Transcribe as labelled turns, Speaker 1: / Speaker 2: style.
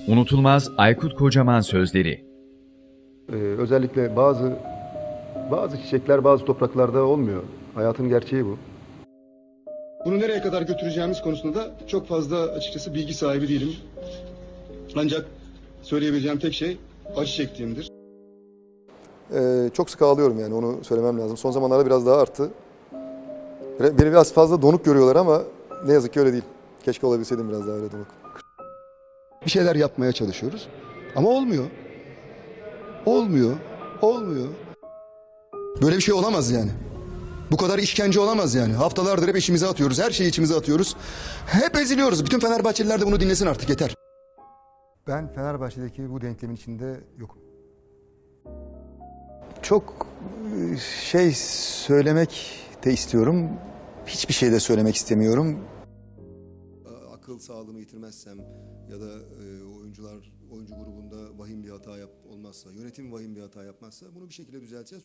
Speaker 1: Unutulmaz Aykut Kocaman sözleri.
Speaker 2: Özellikle bazı çiçekler bazı topraklarda olmuyor. Hayatın gerçeği bu.
Speaker 3: Bunu nereye kadar götüreceğimiz konusunda da çok fazla açıkçası bilgi sahibi değilim. Ancak söyleyebileceğim tek şey acı çektiğimdir.
Speaker 2: Çok sık ağlıyorum yani onu söylemem lazım. Son zamanlarda biraz daha arttı. Beni biraz fazla donuk görüyorlar ama ne yazık ki öyle değil. Keşke olabilseydim biraz daha öyle donuk.
Speaker 3: Bir şeyler yapmaya çalışıyoruz ama olmuyor. Olmuyor. Olmuyor. Böyle bir şey olamaz yani. Bu kadar işkence olamaz yani. Haftalardır hep içimize atıyoruz. Her şeyi içimize atıyoruz. Hep eziliyoruz. Bütün Fenerbahçeliler de bunu dinlesin artık, yeter.
Speaker 2: Ben Fenerbahçe'deki bu denklemin içinde yokum.
Speaker 4: Çok şey söylemek de istiyorum. Hiçbir şey de söylemek istemiyorum.
Speaker 5: Akıl sağlığımı yitirmezsem ya da oyuncu grubunda vahim bir hata olmazsa, yönetim vahim bir hata yapmazsa bunu bir şekilde düzelteceğiz.